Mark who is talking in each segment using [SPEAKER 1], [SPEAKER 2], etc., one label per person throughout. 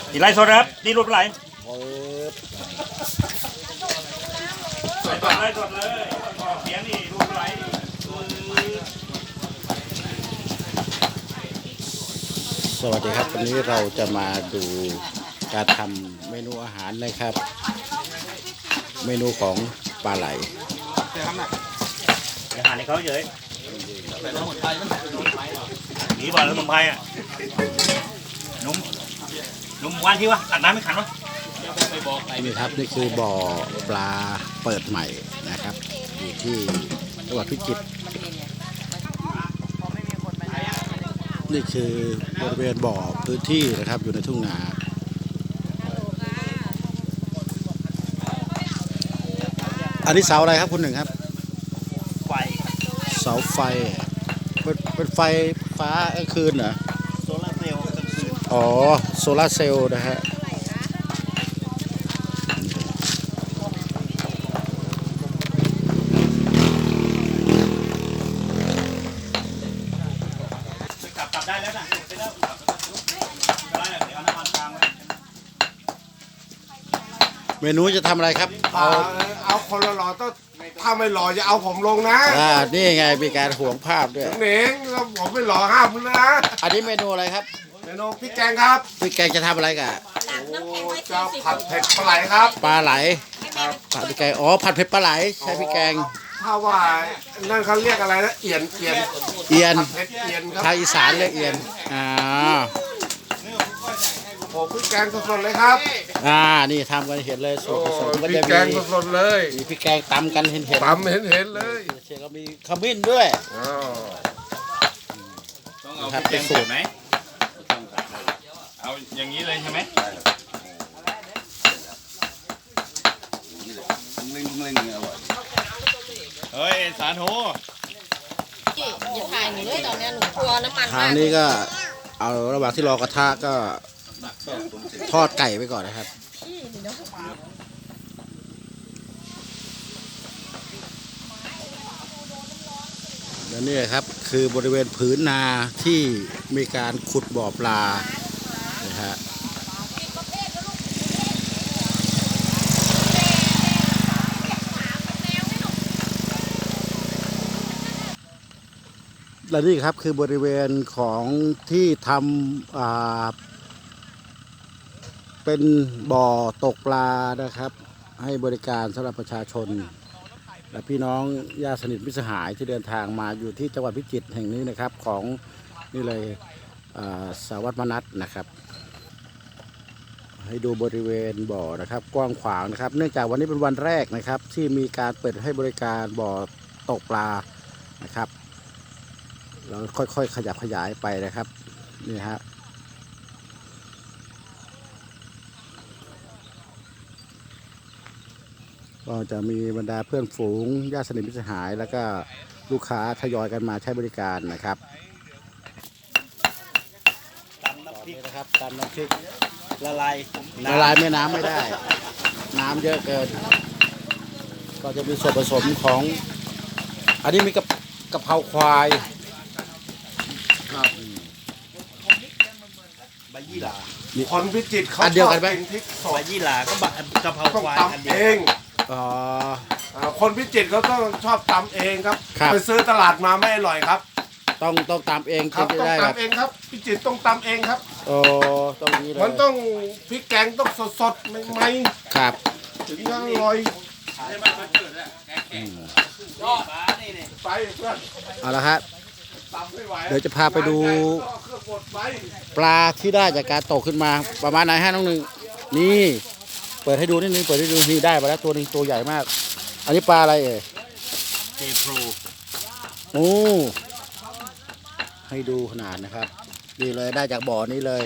[SPEAKER 1] ตีไล่สดครับตีรูปไหลสดเลยสดเลยเสียงนี่รูปไหล
[SPEAKER 2] สวัสดีครับวันนี้เราจะมาดูการทำเมนูอาหารนะครับเมนูของปลาไหล
[SPEAKER 1] อาหารในเขาเยอะหนีบ่อสมุนไพรอ่ะนุ่มวันที่วะตักน้ำไม่ขันวะ
[SPEAKER 2] นี่ครับนี่คือบ่อปลาเปิดใหม่นะครับอยู่ที่จังหวัดพิจิตรนี่คือบริเวณบ่อพื้นที่นะครับอยู่ในทุ่งนาอันนี้เสาอะไรครับคุณหนึ่งครับ
[SPEAKER 1] ไฟ
[SPEAKER 2] เสาไฟเป็นไฟฟ้ากลางคืนเหรอ
[SPEAKER 1] โซลาร์เซลล์กลางคืน
[SPEAKER 2] อ๋อโซลาร์เซลล์นะฮะ
[SPEAKER 1] กลับได้แล้วนะไปแล้วได้เดี๋ยวเอาน้ำมันกลางไว้
[SPEAKER 2] เมนูจะทำอะไรครับ
[SPEAKER 3] เอาคนละหล่อต้องถ้าไม่หล่อจะเอาผมลงนะ
[SPEAKER 2] นี่ไงมีการห่วงภาพด้วย
[SPEAKER 3] เหน่งแล้วผมไม่หล่อห้ามคุณนะ
[SPEAKER 2] อันนี้เมนูอะไรครับ
[SPEAKER 3] เมนูพริกแกงครับ
[SPEAKER 2] พริกแกงจะทำอะไรกัน
[SPEAKER 3] จะผัดเผ็ดปลาไหลครับ
[SPEAKER 2] ปลาไหลผัดพริกแกงอ๋อผัดเผ็ดปลาไหลใช้พริกแกง
[SPEAKER 3] ถ้าว่านั่นเขาเรียกอะไรนะเอียน
[SPEAKER 2] เอียน
[SPEAKER 3] เผ็ดเอียนครับ
[SPEAKER 2] ทางอีสานเรียกเอียน
[SPEAKER 3] ผมพริกแกงสดๆเลยครับ
[SPEAKER 2] นี่ทำกันเห็นเลยสูตรผสม
[SPEAKER 3] ก็จะมีพริกแกงสดๆเลย
[SPEAKER 2] มีพริกแกงตำกันเห็น
[SPEAKER 3] ตำเห็นเลย
[SPEAKER 2] เชฟก็มีขมิ้นด้วย
[SPEAKER 1] ต้องเอาพริกแกงสูตรไหมเอาอย่างนี้เลยใช่ไหมเฮ้ยสาธุ
[SPEAKER 4] อย่าถ่ายหนูเลยตอนนี้หนูกลัวน้ำมัน
[SPEAKER 2] ทางนี้ก็เอาระหว่างที่รอกระทะก็ทอดไก่ไปก่อนนะครับและนี่ครับคือบริเวณผืนนาที่มีการขุดบ่อปลานะฮะและนี่ครับคือบริเวณของที่ทำเป็นบ่อตกปลานะครับให้บริการสำหรับประชาชนและพี่น้องญาติสนิทมิตรสหายที่เดินทางมาอยู่ที่จังหวัดพิจิตรแห่งนี้นะครับของนี่เลยสารวัตรมนัสนะครับให้ดูบริเวณบ่อนะครับกว้างขวางนะครับเนื่องจากวันนี้เป็นวันแรกนะครับที่มีการเปิดให้บริการบ่อตกปลานะครับเราค่อยๆขยับขยายไปนะครับนี่ฮะก็จะมีบรรดาเพื่อนฝูงญาติสนิทมิตรสหายแล้วก็ลูกค้าทยอยกันมาใช้บริการนะครับ
[SPEAKER 1] ตำน้ำพริกนะครับตำน้ำพริกละลาย
[SPEAKER 2] แม่น้ำไม่ได้น้ำเยอะเกินก็จะมีส่วนผสมของอันนี้มีกะเพราควาย
[SPEAKER 1] ใบยี่หร่า
[SPEAKER 3] คนพิจิตรเขา
[SPEAKER 2] เดียวกันไหม
[SPEAKER 3] พริกสด
[SPEAKER 1] ใบยี่หร่าก็กะเพราควายอันเดียว
[SPEAKER 3] คนพิจิตรเขาต้องชอบตำเองครับไปซื้อตลาดมาไม่อร่อยครับ
[SPEAKER 2] ต้องตำเอง
[SPEAKER 3] ครับต้องตำเองครับพิจิตรต้องตำเองครับ
[SPEAKER 2] ต้องนี้เลย
[SPEAKER 3] มันต้องพริกแกงต้องสดๆใหม่
[SPEAKER 2] ๆครับ
[SPEAKER 3] ถึงจะอร่อยไปเพื่อน
[SPEAKER 2] เอาละครับเดี๋ยวจะพาไปดูปลาที่ได้จากการตกขึ้นมาประมาณไหนฮะน้องหนึ่งนี่เปิดให้ดูนิดนึงเปิดให้ดูนี่ได้มาแล้วตัวนึงตัวใหญ่มากอันนี้ปลาอะไร
[SPEAKER 1] เทโพร
[SPEAKER 2] โอ้ให้ดูขนาดนะครับนี่เลยได้จากบ่อนี้เลย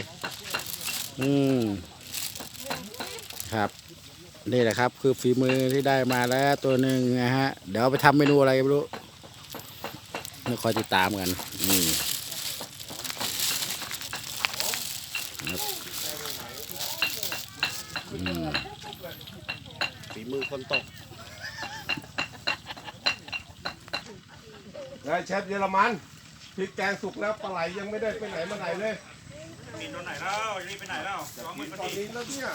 [SPEAKER 2] ครับนี่แหละครับคือฝีมือที่ได้มาแล้วตัวหนึ่งนะฮะเดี๋ยวไปทำเมนูอะไรไม่รู้ไม่คอยติดตามกัน
[SPEAKER 1] ฝีมือคนตก
[SPEAKER 3] เชฟเยอรมันพริกแกงสุกแล้วปลาไหลยังไม่ได้ไปไหนมาไหนเลย
[SPEAKER 1] มีตอนไหนแล้วรีบไปไหนแล้วร้องมือ
[SPEAKER 3] ต
[SPEAKER 1] พ
[SPEAKER 3] อ
[SPEAKER 1] อน ดี
[SPEAKER 3] นี้แล้วเนี่ย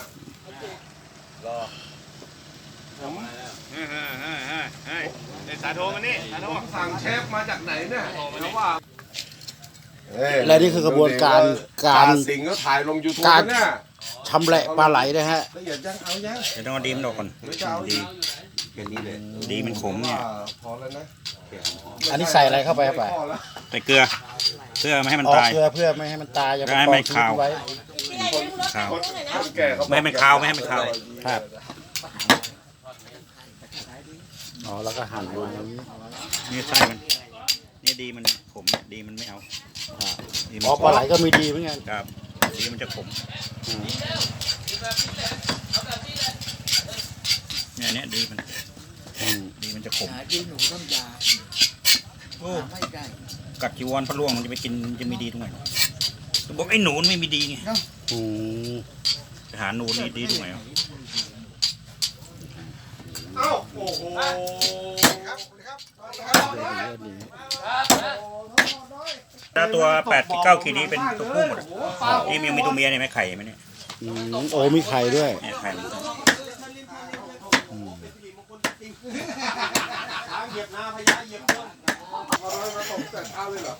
[SPEAKER 3] ผม
[SPEAKER 1] เฮ้ยสาโทกันนี่สาโท
[SPEAKER 3] ผมสั่งเชฟมาจากไหนเนี่ยแล้วว่า
[SPEAKER 2] และนี่คือกระบวนการการ
[SPEAKER 3] สิงก็ถ่ายลง YouTube
[SPEAKER 2] การ
[SPEAKER 3] เนี่ย
[SPEAKER 2] ชำแหละปลาไหลนะฮะ
[SPEAKER 3] ละเอียดยังเอายัง
[SPEAKER 1] เดี๋ยวต้องเอาดีมันออกก่อน
[SPEAKER 3] หรือจะเอาอีก
[SPEAKER 1] ดีมันขมเนี่ย
[SPEAKER 3] พอแล้วนะ
[SPEAKER 2] อันนี้ใส่อะไรเข้าไปครับป่ะ
[SPEAKER 3] พอแล้ว
[SPEAKER 1] ใส่เกลือเพื่อไม่ให้มัน
[SPEAKER 2] อ๋อ
[SPEAKER 1] ตาย
[SPEAKER 2] เพื่อไม่ให้มันตายอย่าไป
[SPEAKER 1] ไม่ให้
[SPEAKER 2] ก
[SPEAKER 1] มั
[SPEAKER 2] อง
[SPEAKER 1] น
[SPEAKER 2] ทิ้
[SPEAKER 1] คาว
[SPEAKER 2] งไว้
[SPEAKER 1] ข้าว
[SPEAKER 3] คนแก่เขา
[SPEAKER 1] ไม่ให้มันคาวไม่ให้มันคาว
[SPEAKER 2] ครับอ๋อแล้วก็หั่นมาอย่างนี้
[SPEAKER 1] นี่ไส้มันนี่ดีมันขมดีมันไม่เอาดีมัน
[SPEAKER 2] อ๋อปลาไหลก็มีดีเหมือนกัน
[SPEAKER 1] ครับดีมันจะขมเนี่ยดีมัน
[SPEAKER 2] อืม
[SPEAKER 1] ดีมันจะขม
[SPEAKER 5] ดีหนูน้ำยา
[SPEAKER 1] โอ้
[SPEAKER 5] ไม่ได้
[SPEAKER 1] กัดจีวรพระล่วงมันจะไปกินจะมีดีตรงไหนบอกไอ้หนูไม่มีดีไง
[SPEAKER 2] อืม
[SPEAKER 1] ไปหาหนูนี่ดีตรงไหน
[SPEAKER 3] เอ้าโอ้โห
[SPEAKER 1] ถ้าตัว8-9ขีดนี้เป็นตัวผู้หมดนี่ยังมีตัวเมียเนี่ยไหมไข่ไหมเนี่ย
[SPEAKER 2] อืมโอ้มีไข่ด้วย
[SPEAKER 1] เนี่ยไข่มัน
[SPEAKER 3] เหยียบนาพญาเหยียบต้นเอาอะไรมาตกแต่เช้าเลยเหรอ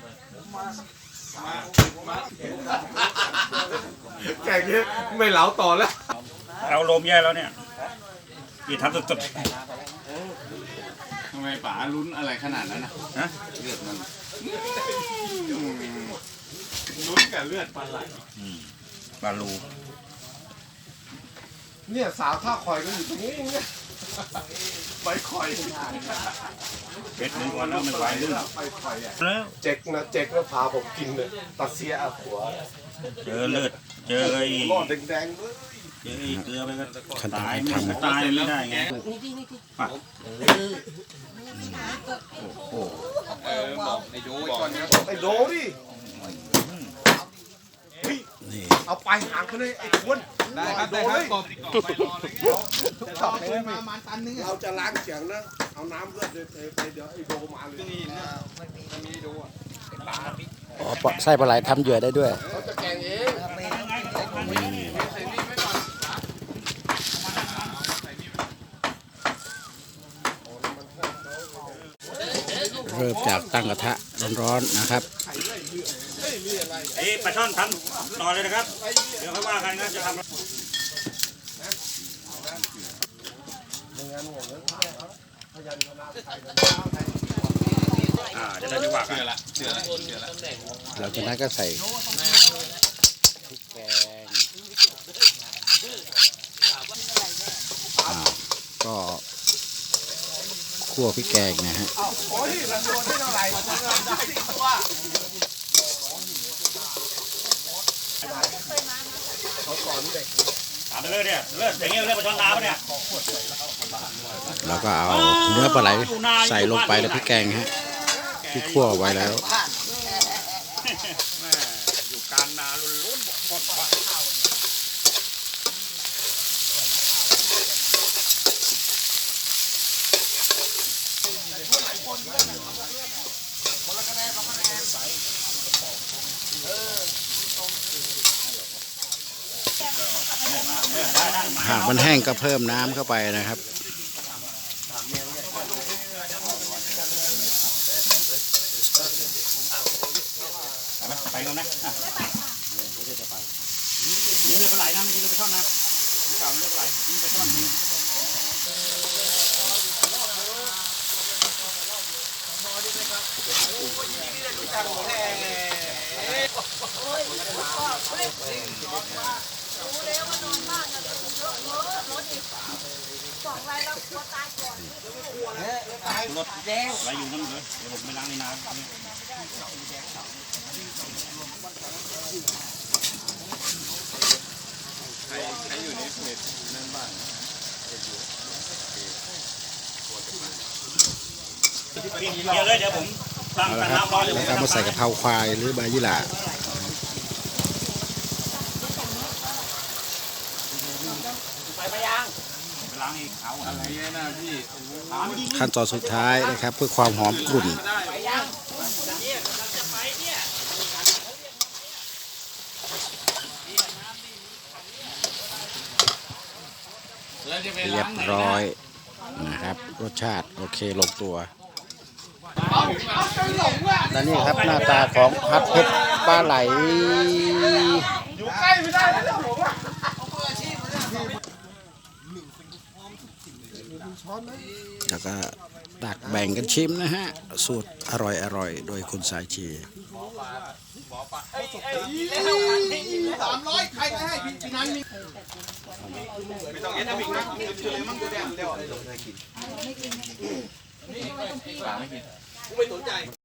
[SPEAKER 3] แกงนี้ไม่เหลาต่อแล้ว
[SPEAKER 1] เอาลมแย่แล้วเนี่ยกี่ทำสุด
[SPEAKER 6] ทำไมป๋าลุ้นอะไรขนาดนั้นนะ
[SPEAKER 1] ๆนะ
[SPEAKER 6] เลือดมันลุ้นกับเลือดปลาไหล
[SPEAKER 1] ปลาลู
[SPEAKER 3] เนี่ยสาวท่าคอยก็อยู่ตรงนี้เนี่ยใบคอย
[SPEAKER 1] เบ็ดหนึ่งวันแล้วไม่ไหวลื่น
[SPEAKER 3] ใบคอยอ่ะ
[SPEAKER 1] แล้ว
[SPEAKER 3] เจ๊กนะเจ๊กแล้วพาผมกินเลยตัดเสียอาหัว
[SPEAKER 1] เจอเลือดเจอไอ้
[SPEAKER 3] รอดแดงๆเลย
[SPEAKER 1] เจอไอ้เกลือไปก็
[SPEAKER 2] ขั้นตอน
[SPEAKER 1] ตาย
[SPEAKER 2] การ
[SPEAKER 1] ไม่
[SPEAKER 2] ทำ
[SPEAKER 1] ตายไม่ได้ไงป่ะโอ้โห
[SPEAKER 6] บอกไอ้โจ้ก่อนนะ
[SPEAKER 3] ไอ้โดดิเฮ้ย
[SPEAKER 2] นี่
[SPEAKER 3] เอาปลายหางไปเลยไอ้ควน
[SPEAKER 6] ได้ครับได้ครับกบต่อไปรอเลย
[SPEAKER 5] มาตันนึง
[SPEAKER 3] เราจะล้างเสียงนะเอาน้ำเลือดเลยไปเดี๋ยวไอ้โดมาเลย
[SPEAKER 6] นี่นะมันมีดูอ่ะ
[SPEAKER 2] อ๋อปลาไส้ปลาไหลทำเหยื่อได้ด้วย
[SPEAKER 3] เขาจะแกงเอง
[SPEAKER 2] เริ่มจากตั้งกระทะร้อนๆนะครับ
[SPEAKER 1] ไอ้ปลาช่อนทำต่อเลยนะครับ เดี๋ยวค่อยว่ากันนะจะทำจะได้ไม่ว่ากัน
[SPEAKER 6] เชื่อละ
[SPEAKER 2] หลังจากนั้นก็ใส่พริกแกงก็คั่วพริกแกงนะฮะ
[SPEAKER 3] โอ้ยมันโดนได้เท่าไหร่มันได้10 ตัว
[SPEAKER 1] ถามไปเลยเนี่ยเลิศอย่างเงี้ยเลิศปลาช่อนน้ำเนี่ย
[SPEAKER 2] แล้วก็เอาเนื้อปลาไหลใส่ลงไปในพริกแกงฮะที่คั่วไว้แล้ว
[SPEAKER 1] อยู่กลางนาล้วนๆบอกคนว่า
[SPEAKER 2] หากมันแห้งก็เพิ่มน้ำเข้าไปนะครับ
[SPEAKER 1] ไปก่อนนะนี่เรือปลาไหลนะไม่ใช่เรือปลาช่อนนะเก่าเรือปลาไหลนี่ปลาช่อนรถแดงอะไรอยู่นั่นเลยเดี๋ยวผมไปล้างในน้ำ
[SPEAKER 6] ใครอยู่ในเพจนั่นบ้าง
[SPEAKER 1] เดี๋ยวเลยเดี๋ยวผมตั้ง
[SPEAKER 2] เอาละครับ
[SPEAKER 1] น้ำร้อนเดี๋ยวผม
[SPEAKER 2] แล้วก็มาใส่กะเพราควายหรือใบยี่หร่า
[SPEAKER 1] ไปไปยังไปล้างอีกเอา
[SPEAKER 6] อะไรเนี่ยนะพี่
[SPEAKER 2] ขั้นตอนสุดท้ายนะครับ เพื่อความหอมกรุ่น
[SPEAKER 1] ไปยังเนี่ยเราจะไปเนี่ย
[SPEAKER 2] เรียบร้อยนะครับรสชาติโอเคลงตัวและนี่ครับหน้าตาของผัดเผ็ดปลาไหลอยู่ใกล้ไม่ได้แล้วผมแล้วก็ตักแบ่งกันชิมนะฮะสูตรอร่อยโดยคุณสายชี
[SPEAKER 6] 300ใครก็ให้พี่นั้นมีไม่ต้องเอ็นบิ๊กนะคือเลยมั่งกูแดงเดี๋ยวไม่กินกูไม่สนใจ